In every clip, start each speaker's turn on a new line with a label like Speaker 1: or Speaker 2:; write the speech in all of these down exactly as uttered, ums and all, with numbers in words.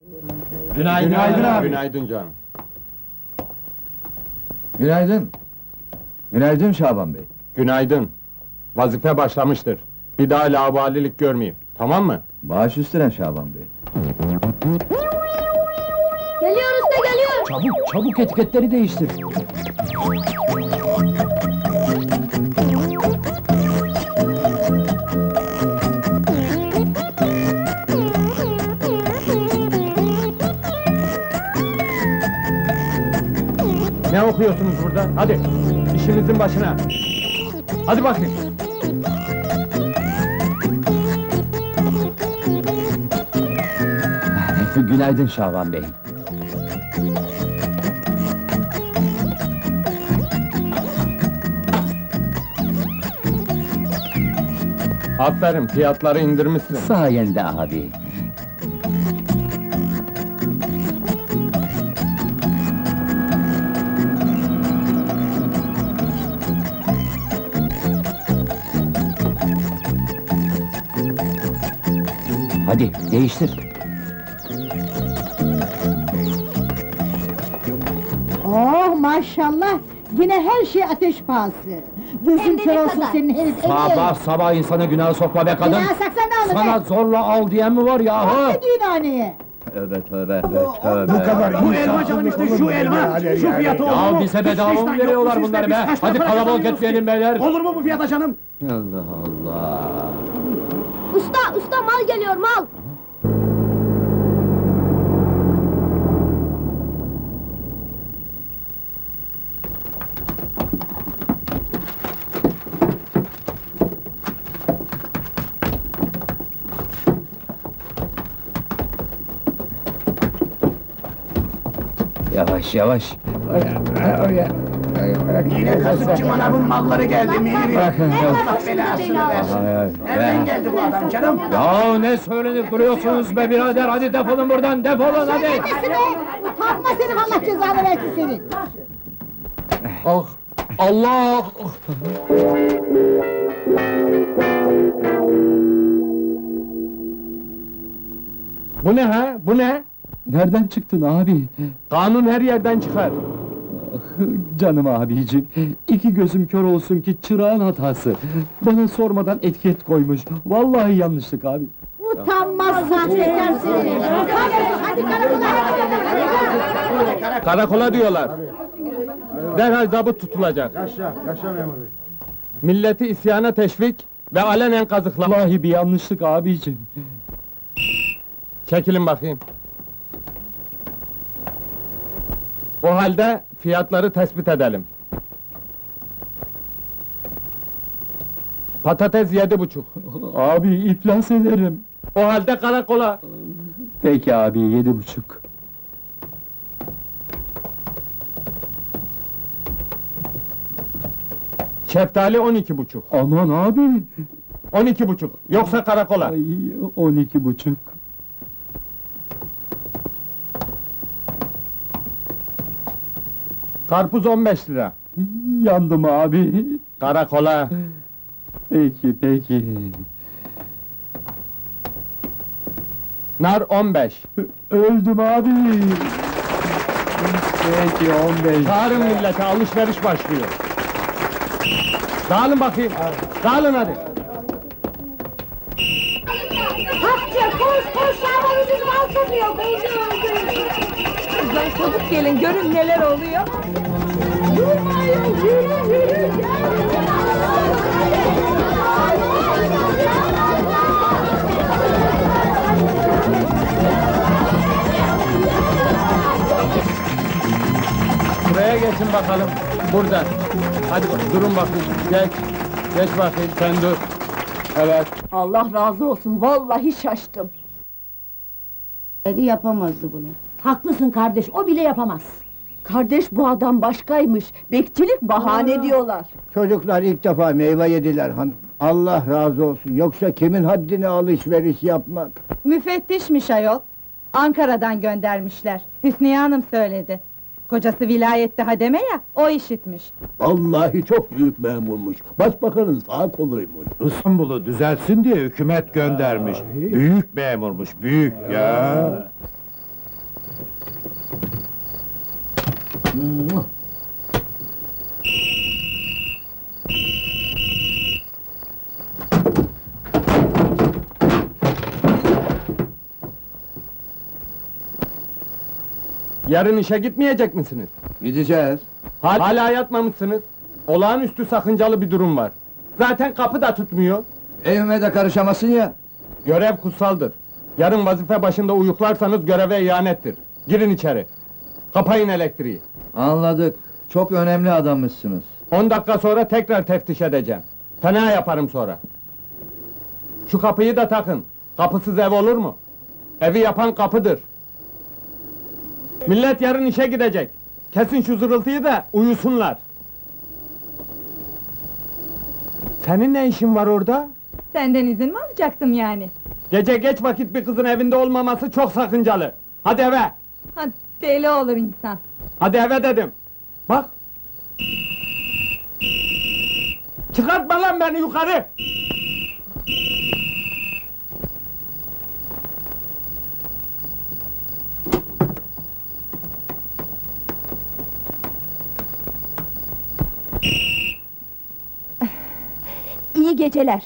Speaker 1: Günaydın,
Speaker 2: Günaydın abi.
Speaker 1: Günaydın canım.
Speaker 2: Günaydın. Günaydın Şaban Bey.
Speaker 1: Günaydın. Vazife başlamıştır. Bir daha laubalilik görmeyeyim. Tamam mı?
Speaker 2: Baş üstüne Şaban Bey.
Speaker 3: Geliyor usta geliyor.
Speaker 4: Çabuk, çabuk etiketleri değiştir.
Speaker 1: Ne okuyorsunuz burada? Hadi, işinizin başına. Hadi bakayım.
Speaker 4: Günaydın Şaban Bey.
Speaker 1: Aferin, fiyatları indirmişsin.
Speaker 4: Sayende abi. Hadi değiştir.
Speaker 5: Oh maşallah! Yine her şey ateş pahası!
Speaker 3: Hem
Speaker 5: Gözün
Speaker 3: de
Speaker 5: kör
Speaker 3: ne
Speaker 5: olsun
Speaker 3: kadar?
Speaker 5: senin herif!
Speaker 4: Sabah sabah insana günah sokma be kadın.
Speaker 5: Günah saksan ne olur
Speaker 4: Sana
Speaker 5: be?
Speaker 4: zorla al diyen mi var yahu?
Speaker 5: Ne düğünhaneye?
Speaker 4: Tövbe tövbe tövbe.
Speaker 2: Bu kadar
Speaker 6: Bu elma canım işte şu elma, şu fiyatı olur mu?
Speaker 4: Ya bize bedava
Speaker 6: Hiç
Speaker 4: mı
Speaker 6: bizden
Speaker 4: veriyorlar
Speaker 6: yok,
Speaker 4: bunları
Speaker 6: biz
Speaker 4: be?
Speaker 6: kaç
Speaker 4: Hadi
Speaker 6: para
Speaker 4: kalabalık
Speaker 6: kazanıyoruz
Speaker 4: etmeyelim
Speaker 6: ki?
Speaker 4: beyler.
Speaker 6: Olur mu bu fiyata canım?
Speaker 4: Allah Allah.
Speaker 3: Usta usta mal geliyor mal.
Speaker 4: Yavaş yavaş.
Speaker 6: Yine kasıpçı manavın malları geldi Mihri. Allah belasını versin. Nereden geldi bu adam canım?
Speaker 4: Ya ne söylenip duruyorsunuz be birader? Hadi defolun buradan, defolun hadi!
Speaker 5: Nesi be? Utanma senin, Allah cezanı versin senin!
Speaker 1: Ah! Allah! Bu ne ha? Bu ne?
Speaker 4: Nereden çıktın abi?
Speaker 1: Kanun her yerden çıkar.
Speaker 4: Canım abicim, iki gözüm kör olsun ki çırağın hatası. Bana sormadan etiket koymuş. Vallahi yanlışlık abi.
Speaker 5: Utanmaz sahtekar seni! Utanmaz! Hadi karakola, hadi!
Speaker 1: Karakola diyorlar. Derhal zabıt tutulacak.
Speaker 2: Yaşa, yaşa memur bey.
Speaker 1: Milleti isyana teşvik ve alenen kazıklama.
Speaker 4: Vallahi bir yanlışlık abicim.
Speaker 1: Çekilin bakayım. O halde fiyatları tespit edelim. Patates yedi buçuk.
Speaker 4: Abi iflas ederim.
Speaker 1: O halde karakola.
Speaker 4: Peki abi, yedi buçuk.
Speaker 1: Şeftali on iki buçuk.
Speaker 4: Aman abi!
Speaker 1: On iki buçuk. Yoksa karakola.
Speaker 4: Ay, on iki buçuk.
Speaker 1: Karpuz on beş lira.
Speaker 4: Yandım abi.
Speaker 1: Karakola.
Speaker 4: Peki, peki.
Speaker 1: Nar on beş.
Speaker 4: Öldüm abi. Peki, on beş.
Speaker 1: Çağırın millete, alışveriş başlıyor. Dağılın bakayım. Dağılın hadi.
Speaker 3: Hapçı koş koş Şaban ucuz mal satıyor.
Speaker 7: Kızlar çabuk gelin, görün neler oluyor.
Speaker 3: Durmayın yürü yürü.
Speaker 1: Buraya geçin bakalım. Burada. Hadi bak, durun bakayım. Geç. Geç bakayım, sen dur. Evet.
Speaker 7: Allah razı olsun, vallahi şaştım.
Speaker 5: Yapamazdı bunu.
Speaker 7: Haklısın kardeş, o bile yapamaz. Kardeş bu adam başkaymış, bekçilik bahane diyorlar.
Speaker 8: Çocuklar ilk defa meyve yediler hanım. Allah razı olsun. Yoksa kimin haddine alışveriş yapmak?
Speaker 9: Müfettişmiş ayol. Ankara'dan göndermişler. Hüsniye Hanım söyledi. Kocası vilayette hademe ya, o işitmiş.
Speaker 10: Vallahi çok büyük memurmuş. Başbakanın sağ koluymuş.
Speaker 11: İstanbul'u düzelsin diye hükümet göndermiş. Büyük memurmuş, büyük ya!
Speaker 1: Yarın işe gitmeyecek misiniz?
Speaker 2: Gideceğiz.
Speaker 1: Hal- Hala yatmamışsınız. Olağanüstü sakıncalı bir durum var. Zaten kapı da tutmuyor.
Speaker 2: Evime de karışamasın ya.
Speaker 1: Görev kutsaldır. Yarın vazife başında uyuklarsanız göreve ihanettir. Girin içeri. Kapayın elektriği.
Speaker 2: Anladık. Çok önemli adammışsınız.
Speaker 1: On dakika sonra tekrar teftiş edeceğim. Fena yaparım sonra. Şu kapıyı da takın. Kapısız ev olur mu? Evi yapan kapıdır. Millet yarın işe gidecek. Kesin şu zırıltıyı da uyusunlar. Senin ne işin var orada?
Speaker 9: Senden izin mi alacaktım yani?
Speaker 1: Gece geç vakit bir kızın evinde olmaması çok sakıncalı. Hadi eve!
Speaker 9: Ha, deli olur insan.
Speaker 1: Hadi eve dedim! Bak! Çıkartma lan beni yukarı!
Speaker 7: İyi geceler.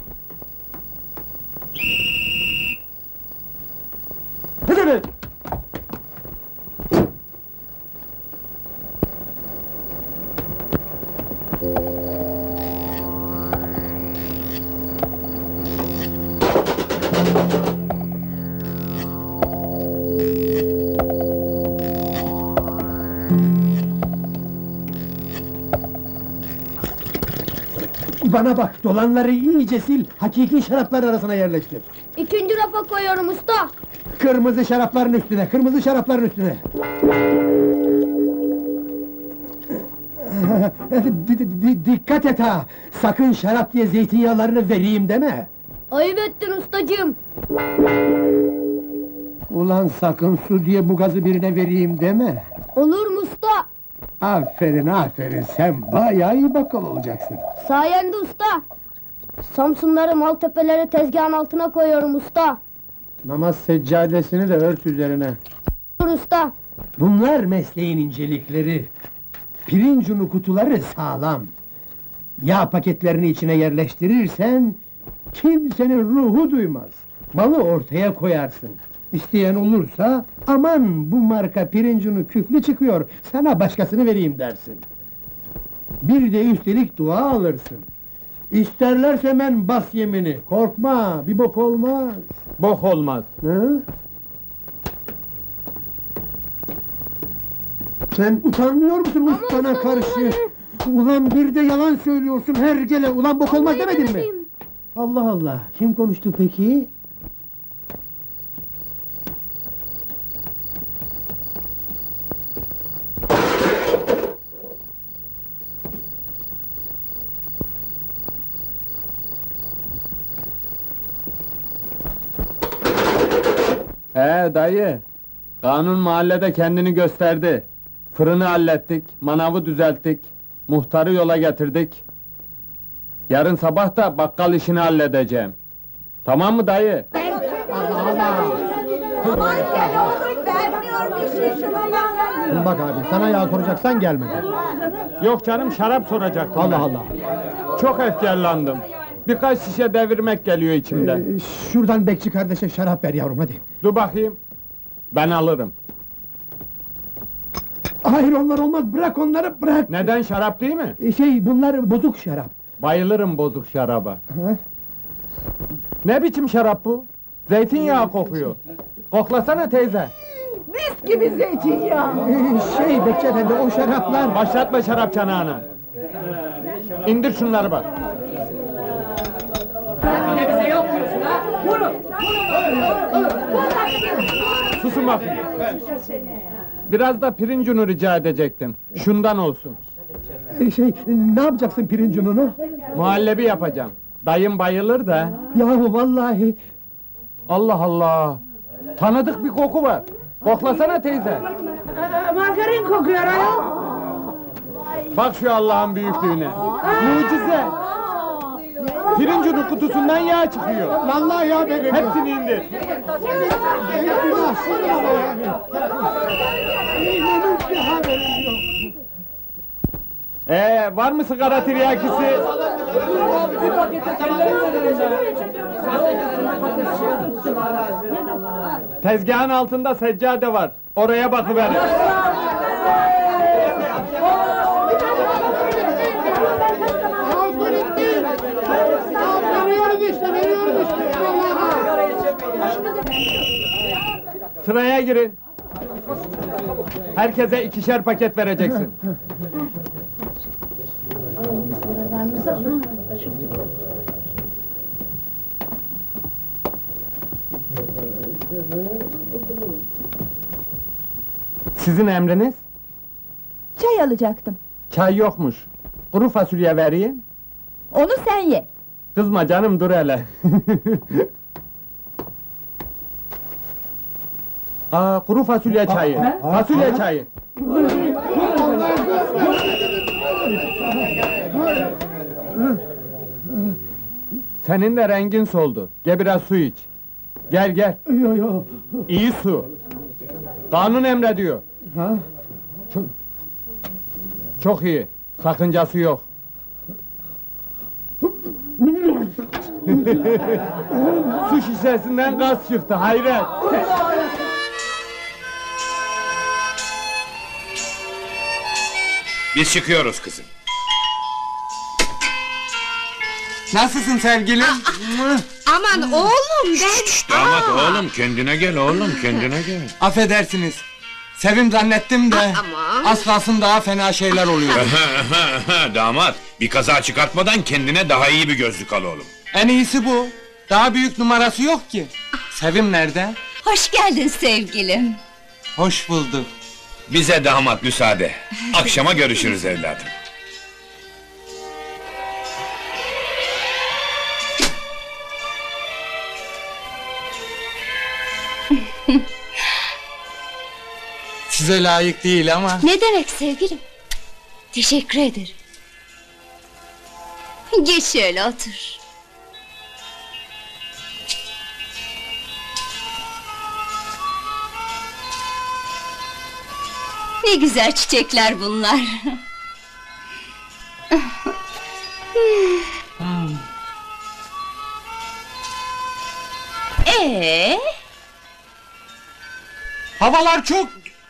Speaker 1: Hadi!
Speaker 6: Bana bak, dolanları iyice sil, hakiki şaraplar arasına yerleştir.
Speaker 3: İkinci rafa koyuyorum usta.
Speaker 6: Kırmızı şarapların üstüne, kırmızı şarapların üstüne. Di- di- di- dikkat et ha! Sakın şarap diye zeytinyağlarını vereyim deme!
Speaker 3: Ayıp ettin ustacığım.
Speaker 6: Ulan sakın su diye bu gazı birine vereyim deme!
Speaker 3: Olur mu usta?
Speaker 6: Aferin, aferin, sen bayağı iyi bakkal olacaksın.
Speaker 3: Sayende usta. Samsunları, Maltepeleri tezgahın altına koyuyorum usta.
Speaker 6: Namaz seccadesini de ört üzerine.
Speaker 3: Dur usta.
Speaker 6: Bunlar mesleğin incelikleri. Pirinç unu kutuları sağlam. Yağ paketlerini içine yerleştirirsen kimsenin ruhu duymaz. Malı ortaya koyarsın. İsteyen olursa aman bu marka pirinç unu küflü çıkıyor, sana başkasını vereyim dersin. Bir de üstelik dua alırsın. İsterlerse ben bas yemini, korkma, bir bok olmaz.
Speaker 1: Bok olmaz.
Speaker 6: Hı? Sen utanmıyor musun ustana karşı? Ulan bir de yalan söylüyorsun her gele, ulan bok olmaz demedin mi?
Speaker 3: demedim.
Speaker 6: Allah Allah, kim konuştu peki?
Speaker 1: He dayı, kanun mahallede kendini gösterdi. Fırını hallettik, manavı düzelttik, muhtarı yola getirdik. Yarın sabah da bakkal işini halledeceğim. Tamam mı dayı?
Speaker 6: Bak abi, sana yağ soracaksan gelmedi.
Speaker 1: Yok canım, şarap soracaktım
Speaker 6: Allah
Speaker 1: ben.
Speaker 6: Allah!
Speaker 1: Çok efkarlandım. Birkaç şişe devirmek geliyor içimden.
Speaker 6: Ee, şuradan bekçi kardeşe şarap ver yavrum, hadi!
Speaker 1: Dur bakayım. Ben alırım.
Speaker 6: Hayır, onlar olmaz, bırak onları, bırak!
Speaker 1: Neden, şarap değil mi?
Speaker 6: Ee, Şey, bunlar bozuk şarap.
Speaker 1: Bayılırım bozuk şaraba.
Speaker 6: Ha?
Speaker 1: Ne biçim şarap bu? Zeytinyağı kokuyor. Koklasana teyze.
Speaker 5: Mis gibi zeytinyağı.
Speaker 6: Ee, şey, bekçi efendi, o şaraplar...
Speaker 1: Başlatma şarap çanağını. İndir şunları bak. Susun bakayım. Biraz da pirinç unu rica edecektim. Şundan olsun.
Speaker 6: Ee, Şey, ne yapacaksın pirinç ununu?
Speaker 1: Muhallebi yapacağım. Dayım bayılır da.
Speaker 6: Yahu vallahi...
Speaker 1: Allah Allah! Tanıdık bir koku var. Koklasana teyze.
Speaker 5: Margarin kokuyor ayol.
Speaker 1: Bak şu Allah'ın büyüklüğüne. Mucize! Pirinç unu kutusundan yağ çıkıyor.
Speaker 6: Vallahi ya benim!
Speaker 1: Hepsini indir.
Speaker 6: Eyvah! İnanın ki haberim yok!
Speaker 1: Ee, var mı sigara tiryakisi? Tezgahın altında seccade var. Oraya bakıverin. Sıraya girin. Herkese ikişer paket vereceksin. Sizin emriniz?
Speaker 7: Çay alacaktım.
Speaker 1: Çay yokmuş. Kuru fasulye vereyim.
Speaker 7: Onu sen ye.
Speaker 1: Kızma canım, dur hele. Aa, kuru fasulye çayı. Fasulye çayı. Senin de rengin soldu. Gel biraz su iç. Gel gel.
Speaker 10: Yo yo.
Speaker 1: İyi su. Kanun emrediyor.
Speaker 10: Ha?
Speaker 1: Çok, çok iyi. Sakıncası yok. Su şişesinden gaz çıktı, hayret!
Speaker 11: Biz çıkıyoruz kızım.
Speaker 1: Nasılsın sevgilim?
Speaker 7: Aman oğlum ben...
Speaker 11: Damat oğlum, kendine gel oğlum, kendine gel.
Speaker 1: Affedersiniz. Sevim zannettim de...
Speaker 7: Aman.
Speaker 1: Az kalsın daha fena şeyler oluyor.
Speaker 11: Damat, bir kaza çıkartmadan kendine daha iyi bir gözlük al oğlum.
Speaker 1: En iyisi bu. Daha büyük numarası yok ki. Sevim nerede?
Speaker 7: Hoş geldin sevgilim.
Speaker 1: Hoş bulduk.
Speaker 11: Bize damat müsaade. Akşama görüşürüz evladım.
Speaker 1: Size layık değil ama...
Speaker 7: Ne demek sevgilim? Teşekkür ederim. Geç şöyle otur. Ne güzel çiçekler bunlar. Ee?
Speaker 1: Havalar çok...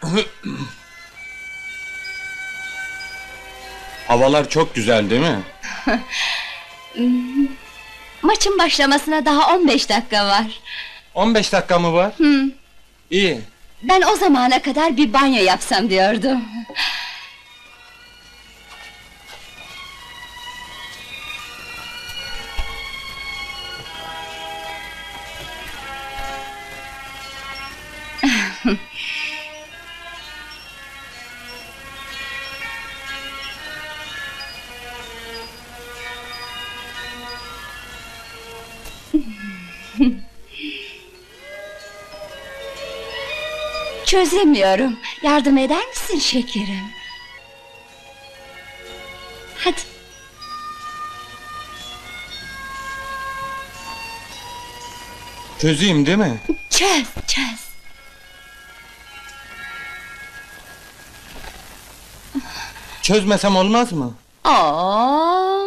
Speaker 1: Havalar çok güzel değil mi?
Speaker 7: Maçın başlamasına daha on beş dakika var.
Speaker 1: on beş dakika mı var?
Speaker 7: Hı.
Speaker 1: İyi.
Speaker 7: Ben o zamana kadar bir banyo yapsam diyordum. Çözemiyorum. Yardım eder misin şekerim? Hadi.
Speaker 1: Çözeyim değil mi?
Speaker 7: Çöz, çöz.
Speaker 1: Çözmesem olmaz mı?
Speaker 7: Oo.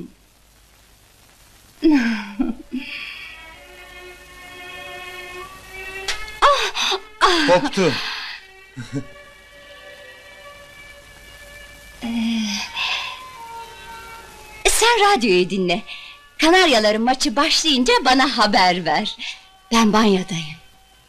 Speaker 1: Koptu.
Speaker 7: Sen radyoyu dinle. Kanaryaların maçı başlayınca bana haber ver. Ben banyodayım.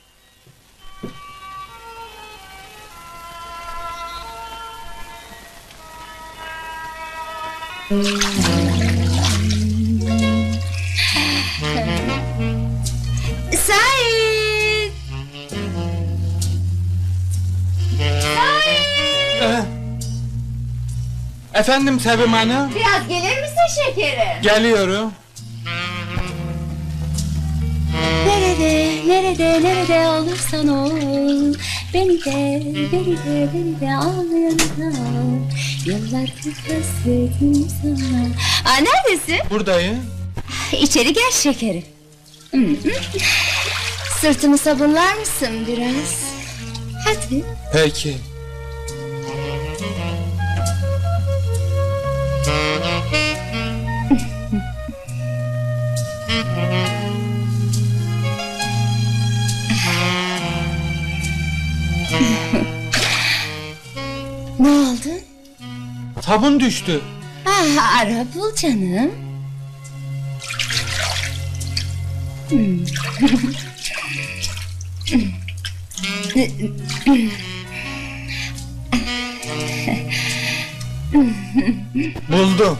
Speaker 7: Sait!
Speaker 1: Ee, efendim Sevim Hanım?
Speaker 7: Biraz gelir misin şekerim?
Speaker 1: Geliyorum.
Speaker 7: Nerede, nerede, nerede olursan ol, beni de, beni de, beni de al yanına. Yıllardır hasretim sana. Aa, neredesin?
Speaker 1: Buradayım.
Speaker 7: İçeri gel şekerim. Hı hı. Sırtımı sabunlar mısın biraz? Hadi.
Speaker 1: Peki.
Speaker 12: Ne oldu?
Speaker 1: Sabun düştü.
Speaker 12: Ah, ara bul canım. Hmm.
Speaker 1: Buldum.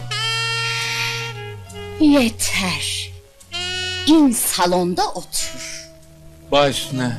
Speaker 12: Yeter. İn salonda otur.
Speaker 1: Baş üstüne.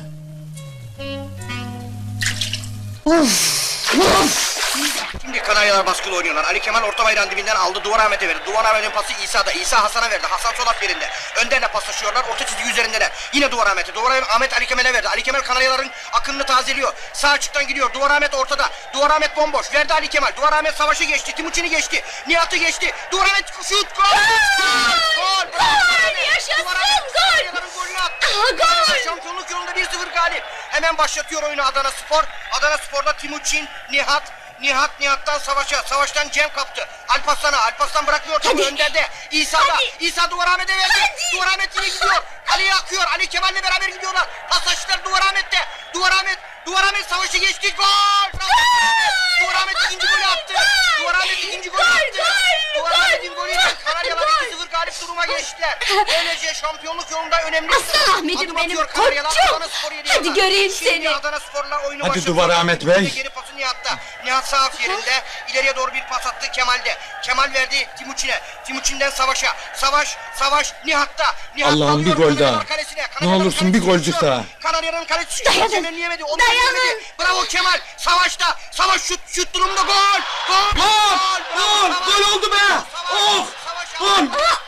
Speaker 13: Şimdi Kanaryalar baskılı oynuyorlar. Ali Kemal orta bayrağın dibinden aldı. Duvar Ahmet'e verdi. Duvar Ahmet'in pası İsa'da. İsa Hasan'a verdi. Hasan sol at yerinde. Önderle paslaşıyorlar. Orta çizgi üzerindeler. Yine Duvar Ahmet'e. Duvar Ahmet Ali Kemal'e verdi. Ali Kemal Kanaryaların akınını tazeliyor. Sağ açıktan gidiyor. Duvar Ahmet ortada. Duvar Ahmet bomboş. Verdi Ali Kemal. Duvar Ahmet savaşı geçti. Timuçin'i geçti. Nihat'ı geçti. Duvar Ahmet şut. Gol! Gol! Gol!
Speaker 12: Yaşasın,
Speaker 13: Duvar Ahmet
Speaker 12: gol!
Speaker 13: Kanaryaların golünü attı.
Speaker 12: Aha, gol!
Speaker 13: Şampiyonluk yolunda bir sıfır galip. Hemen başlatıyor oyunu Adana Spor. Adana Spor'da Timuçin, Nihat, Nihat Nihat'tan Savaş'a, Savaş'tan Cem kaptı. Alparslan'a, Alparslan bırakmıyor topu Önder'de. İsa'da, İsa Duvar Ahmet'e verdi.
Speaker 12: Hadi.
Speaker 13: Duvar Ahmet yine gidiyor. Kaleye akıyor. Ali Kemal'le beraber gidiyorlar. Paslaştılar Duvar Ahmet'te. Duvar Ahmet, Duvar Ahmet Savaş'ı geçti. Gol! Duvar Ahmet ikinci golü attı. Duvar Ahmet ikinci golü attı. Duvar Ahmet'in golüyle Kanaryalar iki sıfır galip duruma geçtiler. Böylece şampiyonluk yolunda önemli.
Speaker 12: Aslan Ahmet'im
Speaker 13: Adım
Speaker 12: benim,
Speaker 13: atıyor Kanaryalar,
Speaker 12: koçum.
Speaker 13: Adana Spor'u yedi
Speaker 12: Hadi
Speaker 13: yana.
Speaker 12: göreyim
Speaker 13: Şimdi
Speaker 12: seni.
Speaker 13: Adana Spor'la oyunu
Speaker 1: Hadi
Speaker 13: başlatıyor.
Speaker 1: Duvar Ahmet Bey.
Speaker 13: Geri pası Nihat'ta. Nihat sağ af yerinde. İleriye doğru bir pas attı Kemal'de. Kemal verdi Timuçin'e. Timuçin'den Savaş'a. Savaş, Savaş Nihat'ta. Nihat
Speaker 1: Allah'ım,
Speaker 13: alıyor
Speaker 1: bir gol
Speaker 13: Kanaryalar
Speaker 1: daha.
Speaker 13: kalesine.
Speaker 1: Ne
Speaker 13: Kanaryaların
Speaker 1: olursun
Speaker 13: kalesi
Speaker 1: bir golcük
Speaker 13: düşüyor.
Speaker 1: daha.
Speaker 13: Kanaryaların kalesi
Speaker 12: Dayanın.
Speaker 13: çeviremedi. Onu
Speaker 12: Dayanın.
Speaker 13: çeviremedi. Bravo Kemal. Savaş'ta. Savaş şut şut durumunda gol. Gol. Gol. Gol. Gol oldu be. Oh. Gol.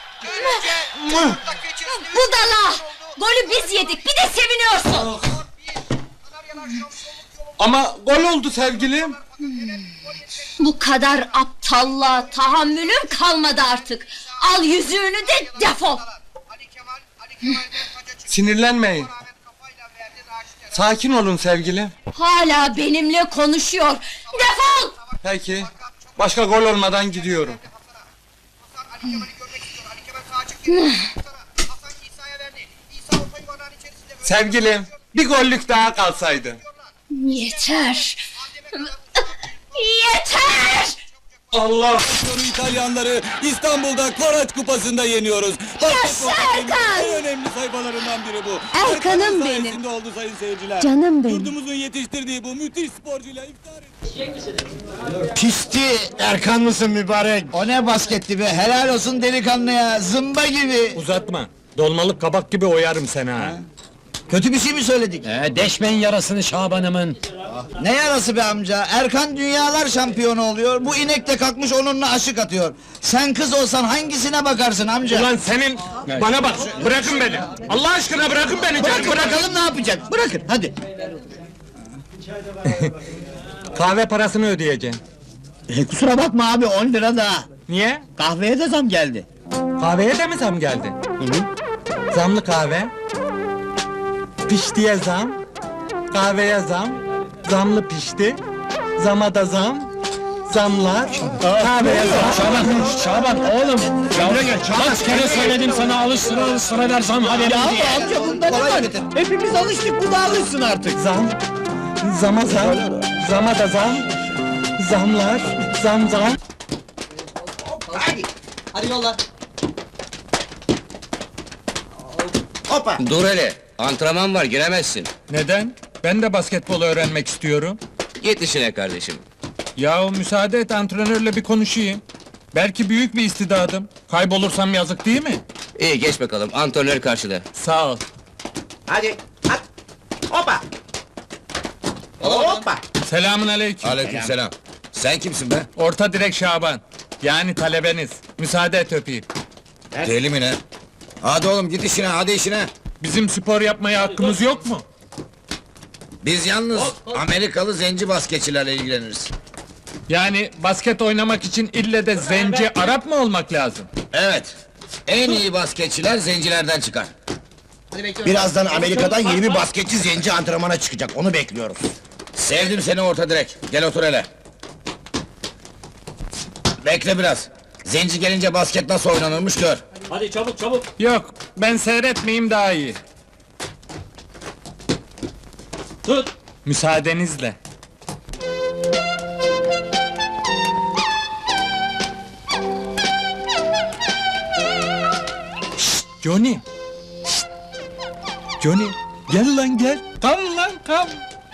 Speaker 12: Budala! Golü biz yedik, bir de seviniyorsun!
Speaker 1: Ama gol oldu sevgilim.
Speaker 12: Bu kadar aptallığa tahammülüm kalmadı artık! Al yüzüğünü de defol!
Speaker 1: Sinirlenmeyin. Sakin olun sevgilim.
Speaker 12: Hala benimle konuşuyor! Defol!
Speaker 1: Peki. Başka gol olmadan gidiyorum. Sevgilim, bir gollük daha kalsaydı.
Speaker 12: Yeter! Yeter!
Speaker 1: Allah!
Speaker 10: İtalyanları İstanbul'da Koraç Kupası'nda yeniyoruz.
Speaker 12: Yaşa Erkan!
Speaker 10: En önemli sayfalarından biri bu.
Speaker 12: Erkan'ım
Speaker 10: Erkan'ın
Speaker 12: benim.
Speaker 10: sayesinde oldu sayın seyirciler.
Speaker 12: Canım benim.
Speaker 10: Yurdumuzun yetiştirdiği bu müthiş sporcuyla iftar ettik.
Speaker 8: Pisti Erkan mısın mübarek? O ne basketti be, helal olsun delikanlıya, zımba gibi.
Speaker 1: Uzatma. Dolmalık kabak gibi oyarım seni ha.
Speaker 8: Kötü bir şey mi söyledik?
Speaker 4: Ee, deşmeyin yarasını Şaban'ımın.
Speaker 8: Ne yarası be amca, Erkan dünyalar şampiyonu oluyor, bu inek de kalkmış onunla aşık atıyor. Sen kız olsan hangisine bakarsın amca?
Speaker 1: Ulan senin... Bana bak, bırakın beni. Allah aşkına bırakın beni.
Speaker 8: Bırakın
Speaker 1: bırakın.
Speaker 8: bakalım ne yapacak, bırakın hadi.
Speaker 1: Kahve parasını ödeyeceğim.
Speaker 8: E, kusura bakma abi, on lira daha.
Speaker 1: Niye?
Speaker 8: Kahveye de zam geldi.
Speaker 1: Kahveye de mi zam geldi? Zamlı kahve. Piştiye zam. Kahveye zam. Zamlı pişti. Zama da zam. Zamlar. Kahveye zam.
Speaker 4: Şaban, Şaban oğlum. Yavru gel. Kaç kere söyledim sana alışsın alışsın eder zam haberim diye.
Speaker 8: amca bunda ne var? Hepimiz alıştık, bu da alışsın artık.
Speaker 1: Zam. Zama zam. Zama da zam. Zamlar. Zam zam.
Speaker 8: Hadi, hadi yolla. Hoppa!
Speaker 14: Dur hele, antrenman var giremezsin.
Speaker 1: Neden? Ben de basketbol öğrenmek istiyorum.
Speaker 14: Git işine kardeşim.
Speaker 1: Yahu müsaade et, antrenörle bir konuşayım. Belki büyük bir istidadım. Kaybolursam yazık değil mi?
Speaker 14: İyi geç bakalım, antrenör karşıda.
Speaker 1: Sağ ol.
Speaker 8: Hadi, at! Hoppa! Hoppa!
Speaker 1: Selamun aleyküm.
Speaker 14: Aleykümselam. Sen kimsin be?
Speaker 1: Orta direk Şaban. Yani talebeniz. Müsaade et öpeyim.
Speaker 14: Deli mi ne? Hadi oğlum git işine, hadi işine.
Speaker 1: Bizim spor yapmaya hakkımız yok mu?
Speaker 14: Biz yalnız Amerikalı zenci basketçilerle ilgileniriz.
Speaker 1: Yani basket oynamak için ille de zenci Arap mı olmak lazım?
Speaker 14: Evet. En iyi basketçiler zencilerden çıkar.
Speaker 8: Birazdan Amerika'dan yeni bir basketçi zenci antrenmana çıkacak, onu bekliyoruz.
Speaker 14: Sevdim seni orta direk. Gel otur hele. Bekle biraz. Zenci gelince basket nasıl oynanırmış gör.
Speaker 4: Hadi çabuk çabuk.
Speaker 1: Yok, ben seyretmeyeyim daha iyi.
Speaker 4: Tut.
Speaker 1: Müsaadenizle. Şşt, Johnny! Şşt! Johnny, gel lan gel! Kam lan kam!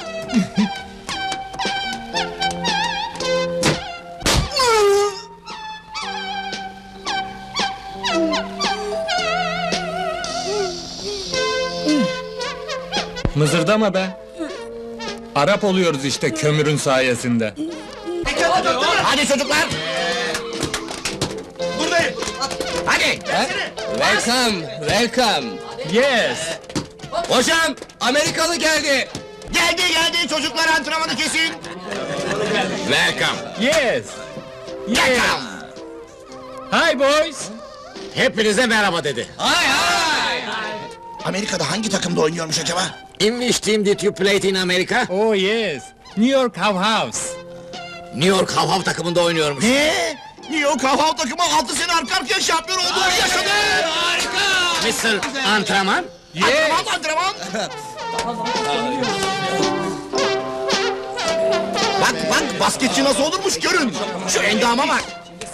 Speaker 1: Mızırdama be! Arap oluyoruz işte kömürün sayesinde.
Speaker 14: Hadi çocuklar!
Speaker 13: Buradayım.
Speaker 14: Hadi!
Speaker 1: Welcome, welcome! Yes!
Speaker 14: Hocam, Amerikalı geldi!
Speaker 13: Geldi geldi çocuklar antrenmanı kesin.
Speaker 14: Welcome!
Speaker 1: Yes! Yes! Hi boys!
Speaker 14: Hepinize merhaba dedi.
Speaker 13: Hay hay. Amerika'da hangi takımda oynuyormuş acaba?
Speaker 14: In which team did you play in America?
Speaker 1: Oh yes! New York How House!
Speaker 14: New York Hav Hav takımında oynuyormuş.
Speaker 13: Ne? New York Hav Hav takımı altı sene arka arkaya şampiyon oldu. Yaşadı. Harika.
Speaker 14: mister Antrenman?
Speaker 13: Antrenman antrenman. Bak bak basketçi nasıl olurmuş görün. Şu endama bak.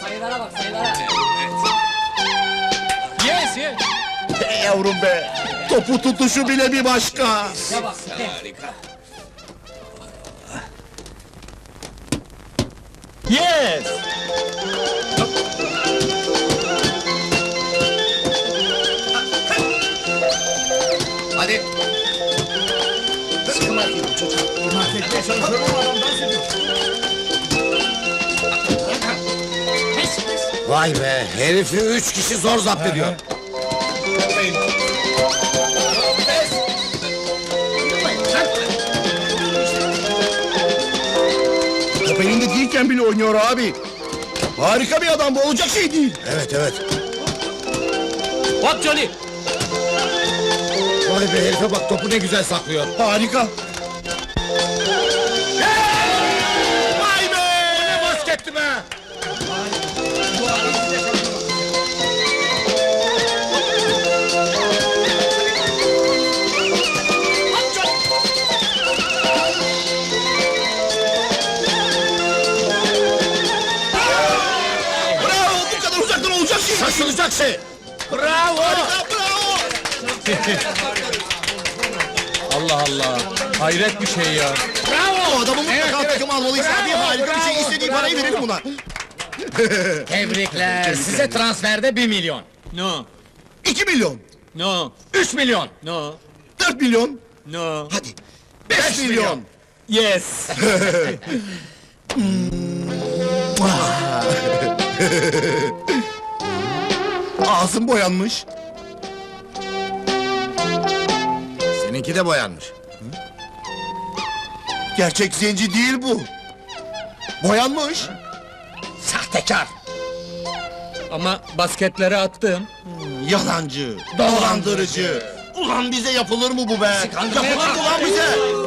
Speaker 1: Yes, yes!
Speaker 13: Be yavrum be. Topu tutuşu bile bir başka.
Speaker 14: Harika.
Speaker 1: Yes!
Speaker 14: Hadi. Vay be, herifi üç kişi zor zapt ediyor.
Speaker 13: Top elinde değilken bile oynuyor abi. Harika bir adam bu, olacak şey değil.
Speaker 14: Evet, evet.
Speaker 1: What Johnny?
Speaker 14: Vay be, herife bak, topu ne güzel saklıyor.
Speaker 13: Harika.
Speaker 14: Vay be! Ne basketti be!
Speaker 13: Bravo, bu kadar uzaktan olacak şey.
Speaker 14: Şaşılacak şey! Bravo!
Speaker 13: Harika, bravo.
Speaker 1: Allah Allah! Hayret bir şey ya!
Speaker 13: Bravo, adamı mutlaka takım almalıyız abi. Harika bir şey, istediği parayı verelim buna.
Speaker 14: Tebrikler, size transferde bir milyon.
Speaker 1: No,
Speaker 13: İki milyon,
Speaker 1: no,
Speaker 14: Üç milyon.
Speaker 1: no,
Speaker 13: dört milyon,
Speaker 1: no.
Speaker 13: hadi. Beş milyon.
Speaker 1: Yes!
Speaker 13: Ağzım boyanmış.
Speaker 14: Seninki de boyanmış.
Speaker 13: Gerçek zenci değil bu. Boyanmış.
Speaker 14: Sahtekar!
Speaker 1: Ama basketleri attım.
Speaker 13: Yalancı, dolandırıcı. Ulan bize yapılır mı bu be? Yapılır mı lan bize?